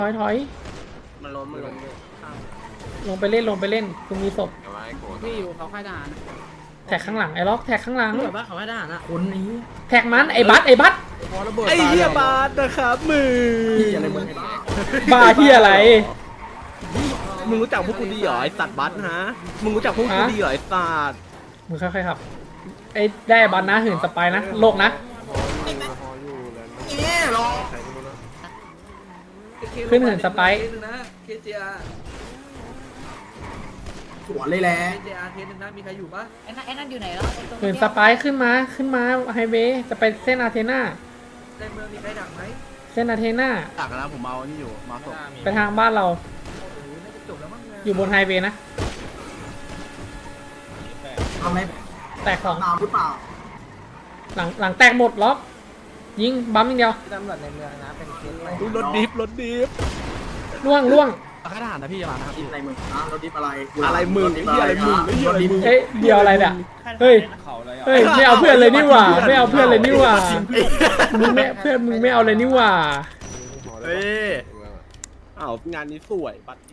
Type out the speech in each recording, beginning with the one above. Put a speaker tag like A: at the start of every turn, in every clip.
A: ถอย
B: มันล้มเลย
A: ลงไปเล่นคุณมีศพ
C: พี่อยู่เขาค่ายทหาร
A: แท็กข้างหลังไอ้ล็อกแท็กข้างหลัง
C: เหมือนว่าเขาค่ายทหารนะคุณไอ้
A: แท็กมันไอ้บัส
C: ไอ้เหี้ยบาส
B: นะครับมืออะไรมึง
A: บ้าที่อะไร
B: มึงรู้จักพวกกูดีเหรอไอสัตว์บัสฮะมึงรู้จักพวกกูดีเหรอไอสัตว์
A: มึงค่อยๆครับไอ้ได้บัสนะหื่นสไปนะโลกนะขึ้นหื่นสไป
C: เคเจีย
D: สวนเลยแหละ
C: เคเจียเคสนึงนะมีใครอยู่ปะ
E: ไอ้นั่นอยู่ไหนแล้วไอ้ตรง
A: หื่นสไปขึ้นมาไฮเวย์จะไปเส้นอาเทนา
C: ในเมืองมีใครดักไหม
A: เส้นอาเทนา
B: ตักนะผมเอานี่อยู่มาศพ
A: ไปทางบ้านเรา
C: โอ้โหน่าจะจบแล้วมั้ง
A: อยู่บนไฮเวย์นะ
D: ทำไม
A: แตกสอง
D: ตามหรือเปล่า
A: หลังแตกหมดล็อกยิงบัมอย่างเดียว
C: ตำรวจในเมืองนะเป็นเคสอะไร
B: รถดิฟรถดิฟ
A: ล่วง
B: ข้าทหารนะพี่จะมานะครับ
D: อะไรมึงนะรถดิบอะไร
B: อะไรมึงไอ้เหี้ยอะไรมึงไอ้เหี้ยอะไรมึง
A: เอ้ยเดียวอะไรเนี่ยเฮ้ยไม่เอาเพื่อนเลยนี่หว่าไม่เอาเพื่อนเลยนี่หว่ามึงไม่เอาเลยนี่หว่า
B: เฮ้ยอ้าวงานนี้สวยบัตร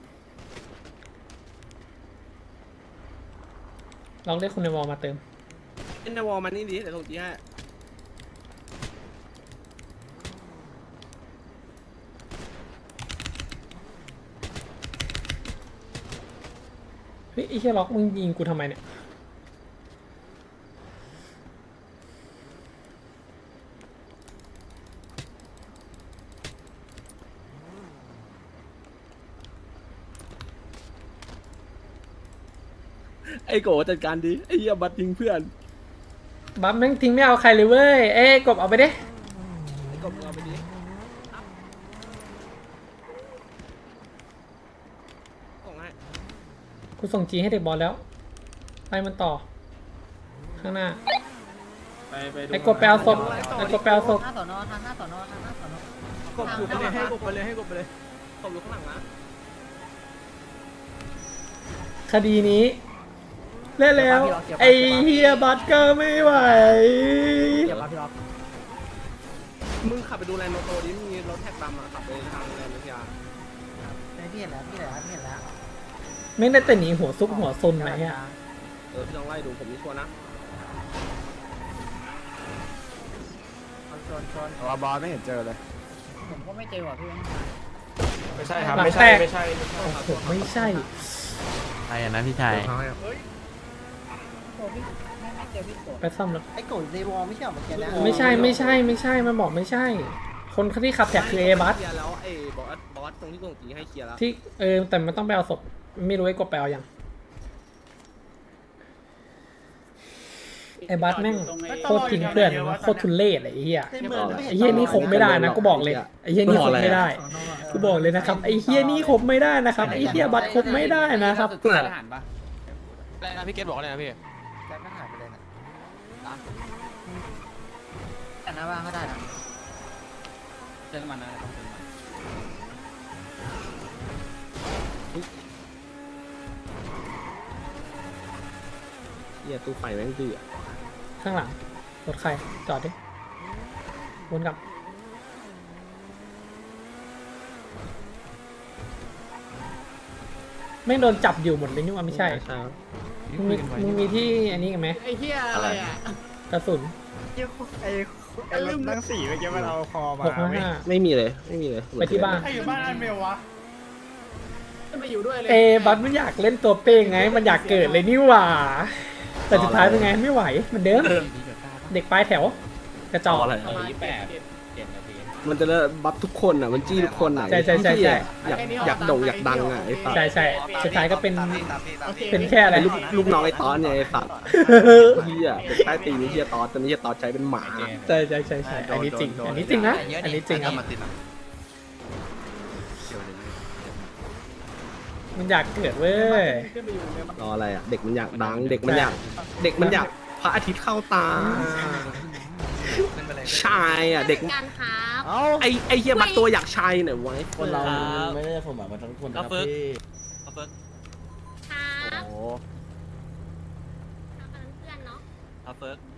A: ลองเรียกคนในวอลมาเติม
B: เอ็นวอลมันนี่ดิเดี๋ยวส่งจีให้
A: เฮ้ยไอ้เชี่ยล็อกมึงยิงกูทำไมเนี่ย
B: ไอ้โกจัดการดิไอ้เหี้ยบัตรทิ้งเพื่อน
A: บัฟแม่งทิ้งไม่เอาใครเลยเว้ยเอ้ยกบเอาไปดิ
B: ไอ้กบมึงเอาไปดิส่งให้
A: กูส่งจีให้เด็กบอลแล้วไปมันต่อข้างหน้าไอ้กบไปเอาศพไอ้กบไปเอาศพ
E: หน้าสอนอทางหน้าสอนอทางหน้าสอนอก
B: บอยู่ไปเลยให้กบไปเลยให้กบไปเลยกบอยู่ข้างหลังนะ
A: คดีนี้เล่นแล้วไอ้เฮียบัตก็ไม่ไหว
C: เดี๋ยวมาพี่ล็อก
B: มึงขับไปดูแลนด์โนโตดิมีรถแท็กดำอ่ะขับไปทางแลนด์วิทยา
C: พี่เห็นแล้วพี่เห็นแล้วพี่เห็นแล้ว
A: ไม่ได้แต่หนีหัวซุกหัวซนไหนอ่ะ
B: พี่ต้องไล่ดูผมนี่ชัวร์นะ
C: ชน
B: ว่าบอสไม่เห็นเจอเลย
E: ผมก็ไม่เจอว่ะพี่
F: ไม่ใช่ครับ
A: หลัง
F: ไม่
A: แต
F: ใช่
A: ก
F: ไม่ใช่
A: โอ้โหไม่ใช่
G: ใช่นะพี่ชาย
E: โอ้พี่ไม่เจอพี่โกรธ
A: ไปซ่อมแล้ว
C: ไอ้โกรธในวอลไม่ใช่เหรอเมื่อกี้นะ
A: ไม่ใช่มันบอกไม่ใช่ คนที่ขับแท็กคือเอบัส
B: เคลียร์แล้วไอ้บอสตรงที่ส่งจีให้เคลียร์แล้ว
A: ที่แต่มันต้องไปเอาศพไม่รู้ไอ้กบไปเอายังไอ้บัสแม่งโคตรทิ้งเพื่อนโคตรทุนเล่ไอ้เหี้ยไอ้เหี้ยนี่คบไม่ได้นะกูบอกเลยไอ้เหี้ยนี่คบไม่ได้กูบอกเลยนะครับไอ้เหี้ยนี่คบไม่ได้นะครับไอ้เหี้ยบัสคบไม่ได้นะครับ
G: ทหารปะอะไรนะพี่เกตบอกอะไรนะพี่
C: แกก็หายไปเลยนะแต่หน้าบ้านก็ได้นะ
G: เติมมันนะต้องเติมมัน
B: เคลียร์ตู้ไฟแม่งเดือด
A: ข้างหลังรถใครจอดดิวนกลับไม่งโดนจับอยู่หมดเลยนี่ว่าไม่ใช่มึงมีที่อันนี้กันไหม
C: ไอ้เหี้ยอะไรอ่ะ
A: กระสุน
F: ไอ้รถนั่งสี่เมื่อกี้มันเอาคอมา
A: 655
B: ไม่มีเลย
A: ไปที่บ้าน
F: ใครอยู่บ้านอันเมลวะ
C: ไม่อยู่ด้วยเลย
A: บัสมันอยากเล่นตัวเป้งไง มันอยากเกิดเลยนี่หว่า แต่สุดท้ายเป็นไงไม่ไหวเหมือนเดิมเด็กปลายแถว กระจอก
B: อะไร มันจะบัฟทุกคนอ่ะมันจี้ทุกคนอ่ะ
A: ใช่
B: อยากโด่งอยากดังอ่ะไอ้สัตว์
A: ใช่สุดท้ายก็เป็นแค่อะไร
B: ลูกน้องไอ้ตอนเนี่ยไอ้สัตว์เฮียเป็นใต้ตีนไอ้เฮียตอนแต่ไม่ใช่ตอนใช้เป็นหมา
A: ใช่อันนี้จริงนะอันนี้จริงครับมันอยากเกิดเว้ย
B: รออะไรอ่ะเด็กมันอยากดังเด็กมันอยากพระอาทิตย์เข้าตาชายอ่ะเด็ก
E: กันครับ
B: ไอเฮียบัตตัวอยากชายหน่อยไว้
G: คนเราไม่ได้สมหวังมาทั้งคนนะครับพี่
E: ครับ
G: โอ้
E: ทำกันเพื่อนเนาะ
G: ครับเฟิร์ก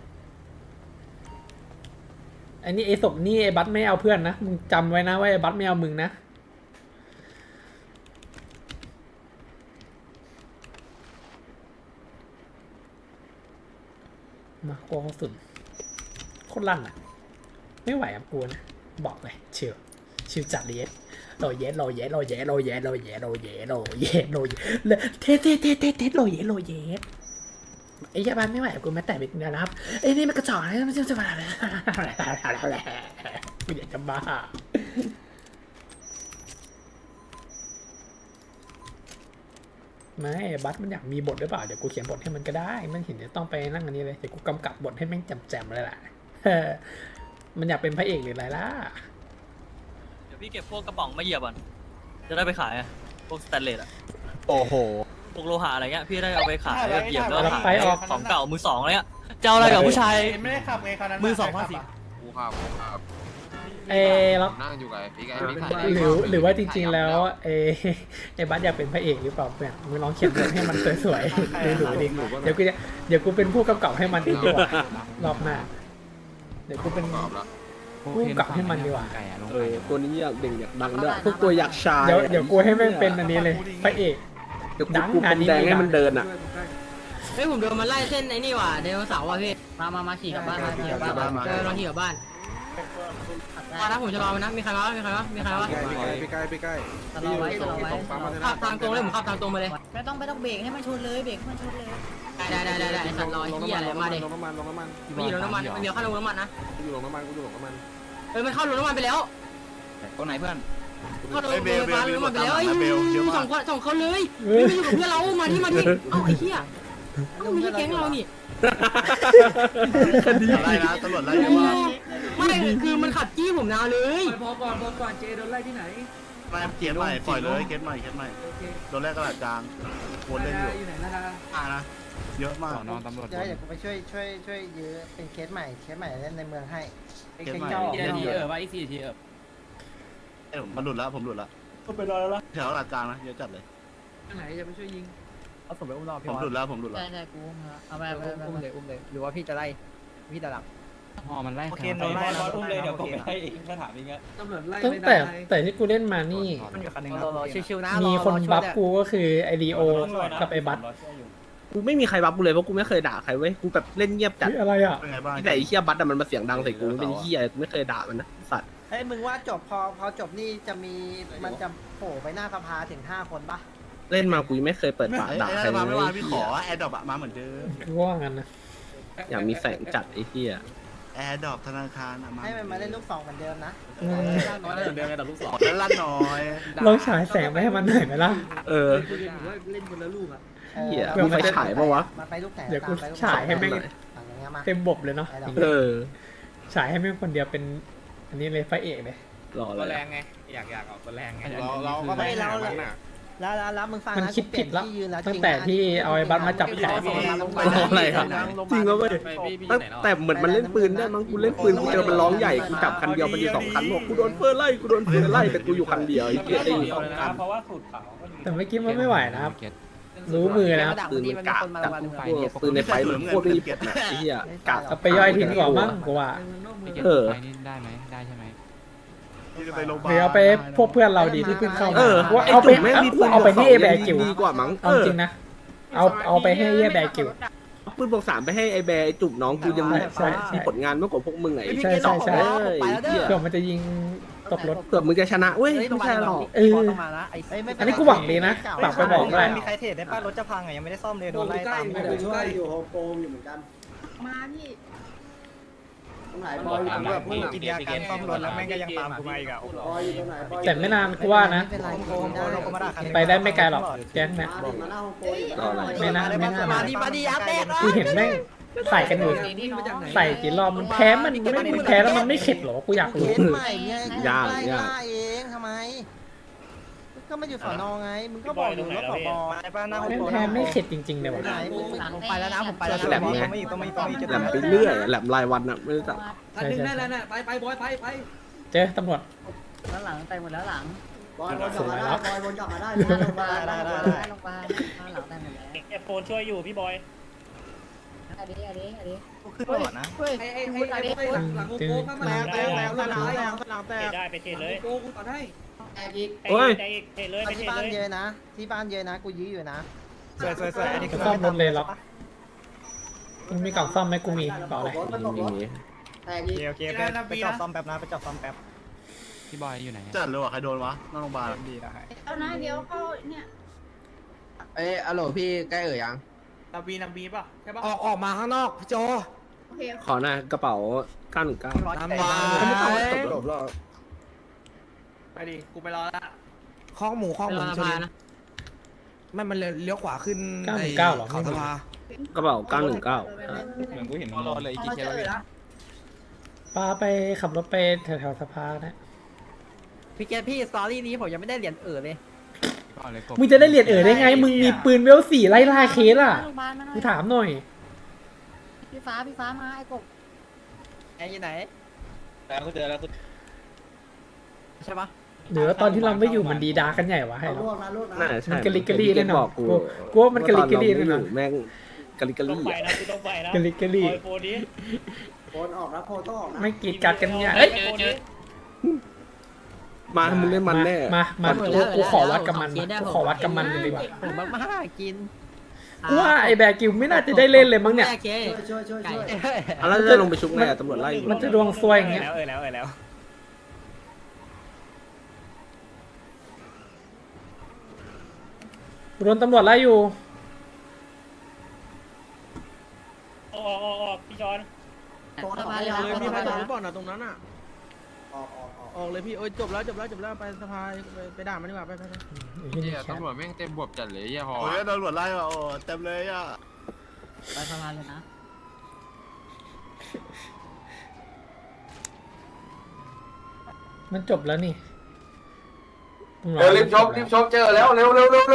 A: ไอ้นี่ไอ้ศพนี่ไอ้บัสไม่เอาเพื่อนนะมึงจำไว้นะว่าไอ้บัสไม่เอามึงนะมากลัวกระสุนโคตรลั่นอ่ะไม่ไหวกับกูนะบอกเลยชิวจัดเลยโรเยสเทไอ้ยาบ้านไม่ไหวกับกูแม้แต่เป็นนะครับไอ้นี่มันกระจอกนะมันจะมากูอยากจะบ้าไม่บัสมันอยากมีบทหรือเปล่าเดี๋ยวกูเขียนบทให้มันก็ได้มันเห็นจะต้องไปนั่งอันนี้เลยเดี๋ยวกูกำกับบทให้แม่งแจ่มๆเลยแหละมันอยากเป็นพระเอกหรืออะไรล่ะ
G: เดี๋ยวพี่เก็บพวกกระป๋องมาเหยียบก่อนจะได้ไปขายอะพวกสแตนเลสอะ
B: โอ้โห
G: พวกโลหะอะไรเงี้ยพี่ได้เอาไปขายแบบเหยียบแล้ว
A: แล้ว
G: ขาย
A: ไปออก
G: ของเก่ามือสองอะไรเงี้ยจะเอาอะไรกับผู้ชาย
F: ไม่ได้ขับไงคราวนั้น
G: มือสองภาษี
H: กูครับ
A: แล้ว
H: นั่งอยู่กับพี่ไก่พี่
A: หรือว่าจริงๆแล้วไอ้บัสอยากเป็นพระเอกหรือเปล่าเพื่อนมึงลองเขียนบทให้มันสวยๆดูดิเดี๋ยวกูเป็นผู้กำกับให้มันดีกว่ารอบหน้าเดี๋ยวกูเป็น
H: ตอบแล้ว
A: ผู้กำกับให้มันดีกว่า
B: ตัวนี้อยากเด่งอยากดังด้วยพวกตัวอยากชาย
A: เดี๋ยวกูให้แม่งเป็นอันนี้เลยพระเอก
B: เดี๋ยวกูพรมแดงให้มันเดินอ่ะ
C: เฮ้ยผมโดนมันไล่เส้นไอ้นี่ว่ะไดโนเสาร์ว่ะพี่มาขี่กลับบ้านมาขี่กลับบ้านลองขี่กลับบ้านมานะผมจะรอมันนะมีใครวะพี่ใกล้ตลอดไว้ขับทางตรงเลยผมขับทางตรงมาเลย
E: ไม่ต้องเบรกให้มันชนเลยเบรกให้มันชนเลย
C: ได้ไอ้สัตว์รอเหี้ยอะไรมาดิ
B: ลงน้ำมัน
C: ไม่อยู่ลงน้ำมันมันเดียวเข้าลงน้ำมันนะ
B: กูอยู่ลงน้ำมัน
C: เฮ้ยมันเข้าลงน้ำมันไปแล้ว
G: ตัวไหนเพื่อน
C: เข้าลงน้ำมันไปแล้วไอ้สองคนเลยไม่อยู่กับเพื่อนเรามาที่เอ้าไอ้เหี้ยไม่ใช่แก๊งเรานี่
B: คดี
F: อะไรนะตำรวจไล่เยอะมาก
C: ไม่คือมันขับจี้ผมนาเลย
F: ไม่เกียร์ใหม่ปล่อยเลยเกียร์ใหม่โดนแรกกระดาษจางวนเล่นอยู่นะเยอะมาก
C: เดี๋ยวกูไปช่วยยื้อเป็นเคสใหม่เล่นในเมืองให้
F: เกียร์ใหม่มันหลุดแล้วผมหลุดแล้วไปรอแล้วแถวกระดาษจางนะเยอะจัดเลย
C: เอาส่งไปอุ้มรอพี่
F: ผมหลุดแล้ว
E: ใช่กูเอาไป
C: อุ้มเลยหรือว่าพี่จะไล่พี่จะหลับ
G: อ๋อมันไล่โอเคโดนไล่อุ้มเลยเดี๋ยวผมไปให้เองถ้าถามอย่างเงี้ย
A: ตั้งแต่ที่กูเล่นมานี่
C: มันอยู่คันนึงชิวๆนะ
A: มีคนบัฟกูก็คือไอรีโอกับไอบัส
B: กูไม่มีใครบัฟกูเลยเพราะกูไม่เคยด่าใครเว้ยกูแบบเล่นเงียบจัด
A: อะไรอ่ะ
F: เป็นไงบ้าง
B: แต่ไอ้เหี้ยบัตอะมันมาเสียงดังใส่กูเป็นเหี้ยกูไม่เคยด่ามันนะสัตว์
C: เฮ้ยมึงว่าจบพอจบนี่จะมีมันจะโผล่ไปหน้าสภาถึง5 คนปะ
B: เล่นมากูยังไม่เคยเปิดปากด่าใคร
F: มา
B: เล
F: ไม่มาย พี่ขอแอร์ดรอปมาเหมือนเดิม
A: กูว่างั้นนะ
B: อยากมีแสงจัดไอ้เหี้ย
F: แอร์ดรอปธนาคารมา
C: ให้มันมาเล่นลูก2เหมือนเดิมนะ
G: เดินไปดับลูกศร
F: แล้วลั่นน้อย
A: ลองฉายแสงไปให้มันหน่อยไหมล่ะ
B: เออเหี้ยมีไฟฉายปะวะ
C: มาไปลูกไหน
A: เดี๋ยวกูฉายให้แม่ง
C: อย่างเงี้ยมา
A: เต็มบบเลยเนาะ
B: เออ
A: ฉายให้แม่งคนเดียวเป็นอันนี้เลยพระเอกเลย
B: รอ
F: ตัว
B: เล
F: แร
B: ย
F: งไงอยากออกตัวแรงไง
C: เราก็ไม่แล้วมึงฟัง
A: มัน
C: นะ
A: คิดผิดแล้วตั้งแต่ที่เอาไอ้บัสมาจับแขน
B: รออะไรครับจริงแล้วเว้ยแต่เหมือนมันเล่นปืนได้มั้งกูเล่นปืนกูเจอมันร้องใหญ่กูจับคันเดียวมันอยู่2 คันบอกกูโดนเฟอร์ไล่แต่กูอยู่คันเดียวไอ้เหี้ยได้อยู่2 คัน
G: เพราะว่าสูตรขาว
A: แต่เมื่อกี้มันไม่ไหวนะครับ รู้มือนะครับ
B: ปืนมันกากจัดปืนในไฟมันโคตรไม่มีผลนะไอ้เหี้ยกาก
A: เอาไปย่อยทิ้งก่อนมั้งกูว่า
B: เออ
G: ได้ไหมได้ใช่ไหม
F: ที่จะไปโรงพยาบา
A: หรือ
F: ล
A: เอาไปพวกเพื่อนเราดีที่เพิ่งเข้า
B: เอ
A: มา
B: อ
A: ว่า
B: ไอ้
A: เอาไป
B: จุ่มแม่งมีปืน
A: เอาไปให้แบกิว
B: ดีกว่ามั้ง
A: เอาจริงนะเอาไปให้แบกิว
B: ปืนบอก3ไปให้ไอ้แบร์ไอ้จุ่มน้องกูยัง
A: ใช่
B: มีผลงานมากกว่าพวกมึงไง
A: ใช่ใช่ใช่
B: ไอ้เหี้ย
A: เผื่อมันจะยิงตกรถ
B: เกือบมึงจะชนะเว้ยไม่ใช่หรอก
A: เอออันนี้กูหวังดีนะฝากไปบอกด้วย
C: มีใครเทรดได้ป้ารถจะพังอ่ะยังไม่ได้ซ่อมเลยโดนไล่ตาม
D: อยู่โฮมโปรอยู่เหมือนกัน
E: มาพี่
D: ตรงไหนบอยอยู่ตรงไหน
F: พูดกินยาการซ่อมรถแล้วแม่งก็ยังตามกูมาอีกอ่ะ
D: บอยอยู่ตรงไหนบอย
A: แต่ไม่นานกูว่านะ
C: ไม่เป็นไรโกงได้เราก็มาด่าคัน
A: ไปได้ไม่ไกลหรอกแก๊งเนี่ย
D: มาหน้าโฮมโปรอีก
B: รออะไร
A: ไม่น่า
C: มาดีอาเต้
A: กูเห็นแม่งใส่กันอยู่ใส่กี่รอบมันแพ้มันแพ้แล้วมันไม่เข็ดหรอกูอยาก
C: เค
A: รู้
C: สใหม่ไงเองทำไมก็ไม่อยู่สอนอไงมึงก็บอกอยู่ว่าผบไปป้าหน้า
A: แพ้ไม่เข็ดจริงๆเลยว่ะ
C: ผมไปแล้วนะผมไปแล้ว
B: แหลมไง
C: ต้องไม่
B: แหลมไปเรื่อยแหลมรายวันอ่ะไม่รู้จัก
A: ใช่ใช่เจอตำรวจ
E: แล้วหลังไปหมดแล้วหลัง
D: บอยวนกลับมาได้บอยวนกลับมาได้หน้าโรงพยาบาล
E: ลงไปหลังได้หมดแล้ว
F: เก็บโฟนช่วยอยู่พี่บอย
E: อันนี้
C: ขึ้นก่อนนะ
E: เฮ้ยอันนี้
A: ตึง
C: แล้วสนามแตก
F: ได้ไปเทเลย
B: โอ้ย
F: เทเลย
C: ที่บ้านเยอะนะที่บ้านเยอะนะกูยื้ออยู่นะ
F: สวย
A: จะซ่อมรถเลยหรอกมึงมีกล่องซ่อมไหมกูมีเปล่าเลย
D: รถมันตกรถแต่ยิง
H: โอเคไปจอดซ่อมแป๊บนะไปจอดซ่อมแป๊บ
I: พี่บอยอยู่ไหน
F: จัดเลยว่ะใครโดนวะนอกโรงพยาบาล
H: ดีนะ
E: เอานะเดี๋ยวเข้าเนี่ย
C: อโหลพี่ใกล้ยัง
H: นาบีป่ะใช่ป่ะ
C: ออกมาข้างนอกพี่โจ
E: โอเค
B: ขอหน่อยกระเป๋า919
C: น้ำมา
B: จบแล้ว
H: ไปดิกูไปรอละ
C: ข้องหมูข้องหมูชนไม่มันเลี้ยวขวาขึ้น
A: 919เหรอ
C: เขาสภาก
B: ระเป๋า919
I: เหมือนกูเห็นรอเลยอีก
E: เอา
I: ที
E: เจ
I: แล้ว
E: อแล้ว
A: ป้าไปขับรถไปแถวๆสภานะ
C: พี่เกพี่สตอรี่นี้ผมยังไม่ได้เหรียญเลย
A: มึงจะได้เหรียญได้ไงมึงมีปืนเวล4ไล่ล่าเคสอ่ะ
E: โรงพยาบาลมาหน่อ
A: กู
E: ย
A: ถามหน่อย
E: พี่ฟ้ามาไอ้กบ
C: ไอ้อยู่ไหน
I: แล้วก็เจอแล้ว
C: ใช่ปะ
A: หรือว่าตอนที่เราไม่อยู่มันดีดากันใหญ่วะให้
D: เอา
A: เรา
D: ลูกนะลูกนะ
B: น่าจะใช่
A: มันกะลิกกะลี่แน่น
B: บ
A: อ
B: อน กกู
A: กูว่ามันกะลิกกะลี่แน่นอน
B: แม่งกะลิกกะลี่อะ
A: กะลิกกะลี่
D: โอนออกนะโพต้องออกนะ
A: ไม่กรีดกัดกันเนี่ยเอ้ย
B: มามึงเล่นมันแน่
A: มากูขอวัดกับมันกูขอวัดกับมันเลยดีกว่า
C: ผมมากกิน
A: กูว่าไอ้แบร์กิวไม่น่าจะได้เล่นเลยมั้งเนี่ย
D: ช่วย
B: อ่ะแล้วจะลงไปชุบไงอ่ะตำรวจไล่อยู่
A: มันจะดวงซวยอย่างเงี้ย
H: แล้ว
A: โดนตำรวจไล่อยู่
H: ออกพี่จอน
D: โอนออก
E: มา
D: มา
E: เล
D: เลย ย
E: มีใครบอกหรือเปล่า
D: ออก
H: ออกเลยพี่โอ้ยจบแล้วไปสภาไปด่ามันดีกว่าไป
I: เนี่ยตำรวจแม่งเต็มบวบจัดเลยยี่ห้อ
F: โอ้ยโดนตำรวจไล่ว่ะโอ้เต็มเลยอ่ะ
C: ไปสภาเลยนะ
A: มันจบแล้วนี่
J: รีบชบเจอแล้วเร็ว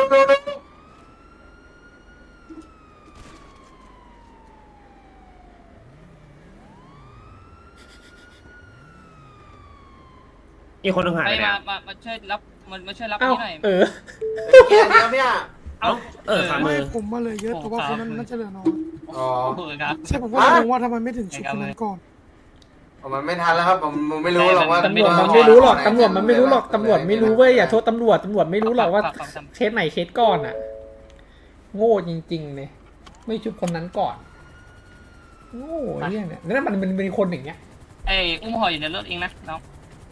J: อีกคนนึงหายไปไหน
G: มาช่วยรับมาช่วยรับ
A: เอ้า
G: นี่หน่อย
A: เออ
J: เนี่ย
B: ขามือ
K: ผมมาเลยเยอะแต่ว่าคนนั้นน่าจะเหลือน้อย
J: อ๋อ
G: เบื่อครับ
K: ใช่ผมก็งงว่าทำไมไม่ถึงชุดคนนั้นก่อน
J: มันไม่ทันแล้วครับผมไม่รู้หรอกว่า
A: ตำรวจมันไม่รู้หรอกตำรวจมันไม่รู้หรอกตำรวจไม่รู้เว้ยอย่าโทษตำรวจไม่รู้หรอกว่าเคสไหนเคสก่อนอ่ะ โง่จริงๆเลยไม่ชุบคนนั้นก่อน โง่เนี่ยแล้วมันเป็นคนอย่างเงี้ย
G: ไอ้อุ้มห่ออยู่ในรถเองนะน้อง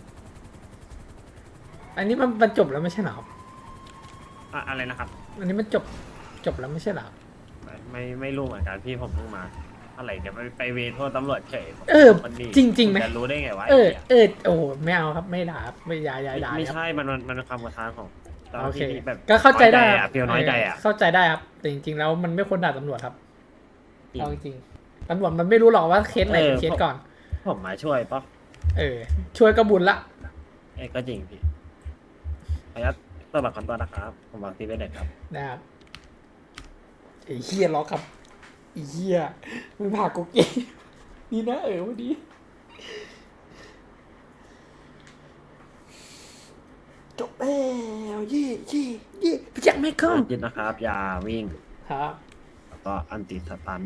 A: อันนี้มันจบแล้วไม่ใช่เหรอครับ
J: อะไรนะครับ
A: อันนี้มันจบแล้วไม่ใช่เหรอครับ
J: ไม่รู้เหมือนกันพี่ผมเพิ่งมาอะไรเดี๋ยวไปเวทโทษตำรวจเฉย
A: จริงๆไหม
J: จะรู้ได้ไงวะ
A: โอ้ไม่เอาครับไม่ด่าครับไม่ด่าด่า
J: ไม่
A: ครับ
J: ใช่มันเป็นความกระทานของ
A: โอเค
J: แบบ
A: ก็เข้าใจได้ครับ
J: เพียวน้อยใจอ่ะ
A: เข้าใจได้ครับแต่จริงๆแล้วมันไม่ควรด่าตำรวจครับเอาจริงๆตำรวจมันไม่รู้หรอกว่าเคสไหนเป็นเคสก่อน
J: ผมมาช่วยปะ
A: ช่วยกระบุญละ
J: ก็จริงพี่ขออนุญาตตัวบัตรคอนตัวนะครับผมวางตีไว้เด็ดครับ
A: นะครับไอ้เฮียล็อกครับไอ้เฮียมึงผ่ากูเก่งนี่นะวันนี้จบแล้วเย่พี่แจ็คไม่เข้า
J: ยึดนะครับอย่าวิ่ง
A: ครับ
J: แล้วก็อันติสตัน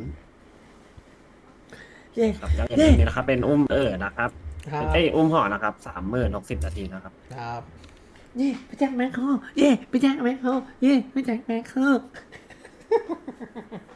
A: เย่
J: ครับแล้วอย่างนี้นะครับเป็นอุ้มนะครับ
A: ครับ
J: อุ้มห่อนะครับ30,060 นาทีนะครับ
A: ครับเย่พี่แจ็คแม็กเข้าพี่แจ็คแม็กเข้าพี่แจ็คแม็กเข้า